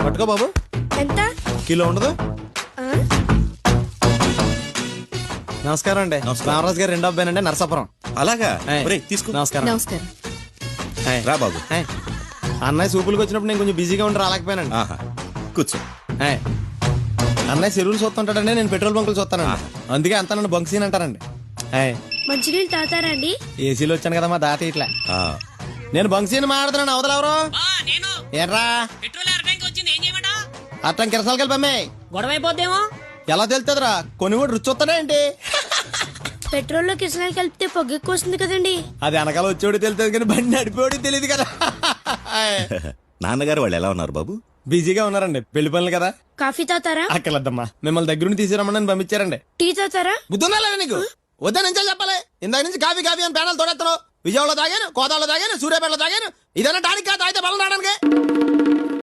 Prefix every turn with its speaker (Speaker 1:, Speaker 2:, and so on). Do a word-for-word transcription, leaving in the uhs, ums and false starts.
Speaker 1: పట్టుకో బాబు.
Speaker 2: ఎంత?
Speaker 1: కిలో ఉండదు.
Speaker 2: ఆ?
Speaker 1: నమస్కారం అండి. రామరాజు గారు రెండో అబ్బాయినండి, నరసాపురం.
Speaker 3: అలాగా
Speaker 1: ఏయ్,
Speaker 3: ఒరేయ్, తీసుకో.
Speaker 1: నమస్కారం.
Speaker 2: నమస్కారం.
Speaker 1: ఏయ్,
Speaker 3: రా బాబు.
Speaker 1: ఏయ్, అన్నయ్య సూపులకు వచ్చినప్పుడు నేను కొంచెం బిజీగా ఉండి రాలేకపోయానండి.
Speaker 3: ఆహా కూర్చో.
Speaker 1: ఏయ్, అన్నయ్య చెరువులు చూస్తుంటాడండి, నేను పెట్రోల్ బంకులు చూస్తానండి. అందుకే అంతా నన్ను బంక్ సీన్ అంటారండి. ఏయ్,
Speaker 2: మంచినీళ్ళు తాతారా అండి?
Speaker 1: ఏసీలో వచ్చాను కదా మా దాత ఇట్లా.
Speaker 3: ఆ,
Speaker 1: నేను బంక్ సీన్ మాట్లాడుతున్నాను, అవతలెవరు
Speaker 4: నేను
Speaker 1: ఏట్రా
Speaker 4: పెట్రోల్ అరటానికి వచ్చింది ఏం చేయమంటా
Speaker 1: అట్టం కిరసాలు కలిపి అమ్మాయి
Speaker 4: గొడవ అయిపోద్దేమో.
Speaker 1: ఎలా తెలుతుందిరా? కొన్ని కూడా రుచి వస్తానే ఏంటి?
Speaker 2: పెట్రోల్ లో కిసనాలు కలిపితే పొగ ఎక్కువ వస్తుంది కదండి.
Speaker 1: అది వెనకాల వచ్చేవాడు తెలుస్తుంది కానీ బండి నడిపేవాడికి తెలియదు కదా.
Speaker 3: నాన్నగారు వాళ్ళు ఎలా ఉన్నారు బాబు?
Speaker 1: బిజీగా ఉన్నారండి, పెళ్లి పనులు కదా.
Speaker 2: కాఫీ తాతారా?
Speaker 1: అక్కర్లేద్దమ్మా, మిమ్మల్ని దగ్గర నుండి తీసుకురమ్మని నన్ను పంపించారండి.
Speaker 2: టీ తాతారా?
Speaker 1: బుద్ధుందా లేదా నీకు? వద్దా నుంచి చెప్పాలి. ఇందాక నుంచి కాఫీ కాఫీ అని పేనాలు తోడెత్తాను. విజయవాడలో తాగాను, కోదాలో తాగాను, సూర్యాపేటలో తాగాను. ఇదన్నా టానిక్ కాదు, తాగితే బలం రావడానికి.